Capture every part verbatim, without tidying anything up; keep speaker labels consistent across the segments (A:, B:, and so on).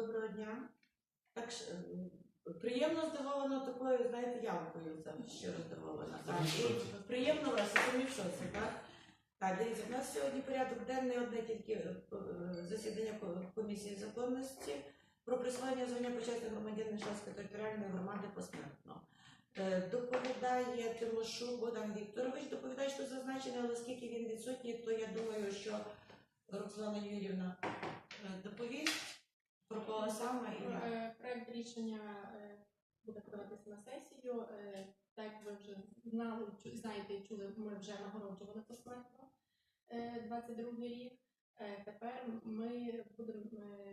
A: Доброго дня. Так, приємно здивована такою, знаєте, явкою, це щиро здивована. Так. І приємно вас, самі в шоці, так? Так, дивіться, у нас сьогодні порядок денний, одне тільки засідання комісії законності про присвоєння звання почесних громадянина Шацької територіальної громади посмертно. Доповідає Тимошук Богдан Вікторович, доповідач тут зазначений, але оскільки він відсутній, то я думаю, що Роксолана Юріївна доповість про кого саме. І...
B: Проект рішення буде подаватися на сесію. Так як ви вже знали, знаєте і чули, ми вже нагороджували посмертно двадцять другий рік. Тепер ми будемо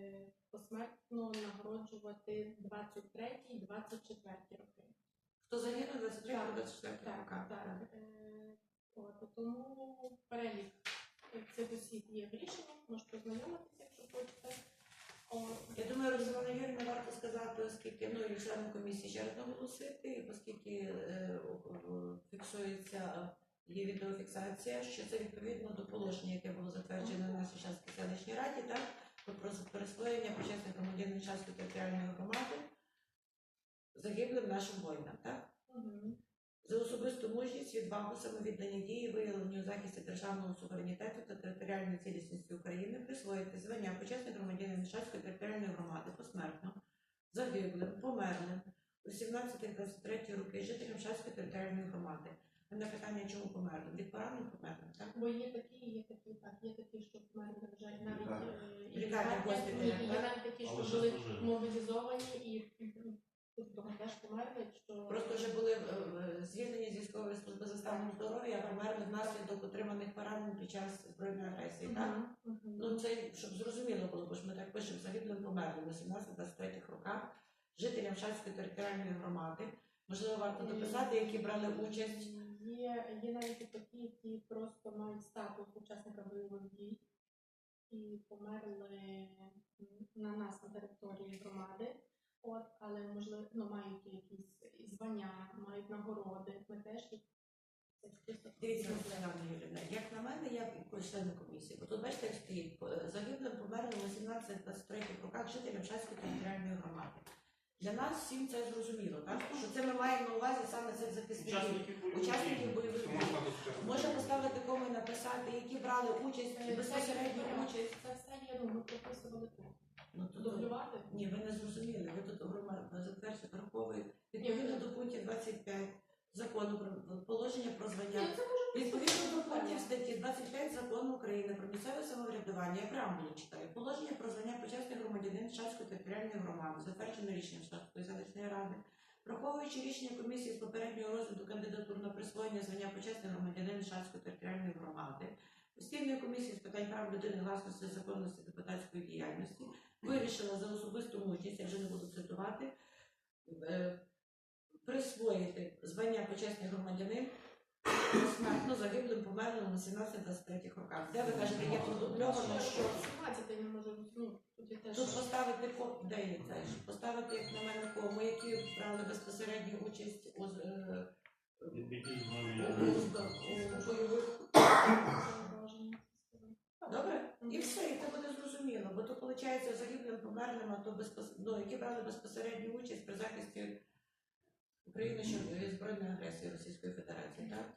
B: посмертно нагороджувати двадцять третій двадцять четвертий роки.
A: Хто загинув двадцять третій двадцять четвертий
B: роки? Так, так. От, тому перелік цих осіб є в рішенні, можете ознайомитися, якщо хочете.
A: Я думаю, Роксолана Юріївна, варто сказати, оскільки, ну, і членам комісії ще раз наголосити, оскільки е, фіксується, є відеофіксація, що це відповідно до положення, яке було затверджено на нашій Шацькій селищній раді, так, про присвоєння почесних громадянин Шацької територіальної громади загиблим нашим воїнам, так?
B: Угу.
A: За особисту мужність, відвагу, самовіддані дії, виявлені у захисті державного суверенітету та територіальної цілісності України, присвоїти звання почесних громадянин Шацької територіальної громади посмертно загиблим, померлим у сімнадцятих-двадцять третій роки жителям Шацької територіальної громади. На питання, чому померлим? Від поранень померлим, так?
B: Бо є такі, є такі, так, є такі, що померли вже навіть
A: і є
B: навіть такі, що були мобілізовані і того теж померли, що...
A: Просто вже були звільнені з військової служби за станом здоров'я, а померли внаслідок отриманих поранень під час збройної агресії, так?
B: Uh -huh. Uh -huh.
A: Ну, це, щоб зрозуміло було, бо ж ми так пишемо, загиблим померлим у сімнадцятих-двадцять третіх роках жителям Шацької територіальної громади. Можливо, варто дописати, які брали участь.
B: Є, є навіть такі, які просто мають статус учасника бойових дій і померли на нас, на території громади. От, але, можливо, ну, мають якісь звання, мають нагороди. Ми теж їх...
A: Дивіться, Юріївна, як на мене, я член комісії, бо тут, бачите, як стоїть, загиблим померлим у сімнадцятих-двадцять третіх роках жителям Шацької територіальної громади. Для нас всім це зрозуміло, так? Що це ми маємо на увазі саме цих захисників, учасників бойових дій. Можна поставити кому і написати, які брали участь, безпосередньо участь.
B: Це все є, ну, ми прописували тут.
A: Ну, тут
B: дублювати?
A: Ні, ви не зрозуміли. Ви тут затверджуєте враховує відповідно до пунктів двадцять п'ять закону про положення про звання. Відповідно до пунктів статті двадцять п'ять закону України про місцеве самоврядування, я преамбулу читаю. Положення про звання почесних громадянин Шацької територіальної громади, затверджене рішенням Шацької селищної ради, враховуючи рішення комісії з попереднього розгляду кандидатур на присвоєння звання почесних громадянин Шацької територіальної громади, постійної комісії з питань прав людини, власності, законності, депутатської діяльності, вирішила за особисту мужність, я вже не буду цитувати, присвоїти звання почесний громадянин посмертно загиблим померлим у сімнадцятих-двадцять третіх роках. Де ви кажете, є тут дубльовано, що... Тут поставити, де є це, поставити, як на мене, кому, які брали безпосередню участь у бойових... Добре? І все, і це буде зрозуміло, бо то, виходить, загиблим померлим, а то безпос... ну, які брали безпосередню участь при захисті України від збройної агресії Російської Федерації, так?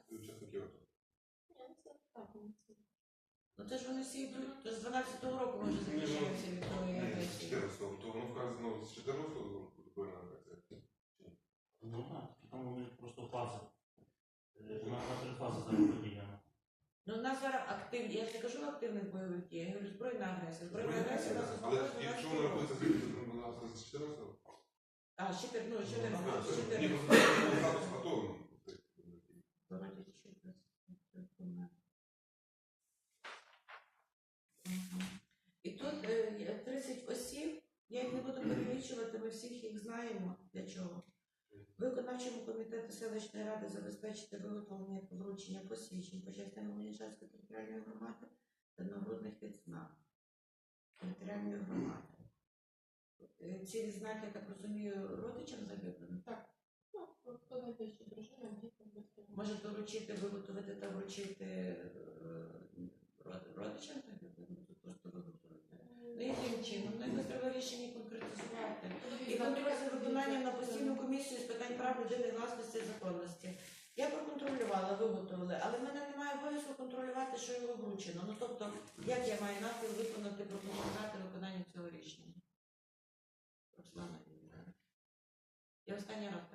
A: Ну це ж вони всі йдуть, то з дванадцятого року може захищаються від тої агресії.
C: чотирнадцятого, то воно вказано з чотирнадцятого року збройна агресія?
D: Ну так, там вони просто фази. На три фази зараз поділяно.
A: Ну, у нас зараз активні, я ж не кажу активних бойових дій, я говорю збройна агресія. Збройна агресія у нас
C: але якщо вона робиться з чотирнадцятого?
A: А, ще ну, ще не
C: Ні, ну, статус готовий.
A: І тут тридцять осіб, я їх не буду перелічувати, ми всіх їх знаємо для чого. Виконавчому комітету селищної ради забезпечити виготовлення та вручення посвідчень почесних громадянин Шацької територіальної громади та нагрудних відзнак територіальної громади. Ці відзнаки, я так розумію, родичам загиблим?
B: Так. Ну, хто найближчі дружина, діти, батьки.
A: Може доручити, виготовити та вручити родичам загиблим? Тут просто виготовити. Ну, яким чином? Ну, якось треба рішення конкретизувати. прецизувати. І контроль за виконанням на постійну комісію з питань прав людини, власності і законності. Я проконтролювала, виготовили, але в мене немає обов'язку контролювати, що його вручено. Ну тобто, як я маю напів виконати, проконтролювати виконання цього рішення? Руслана Юріївна. Я останній раз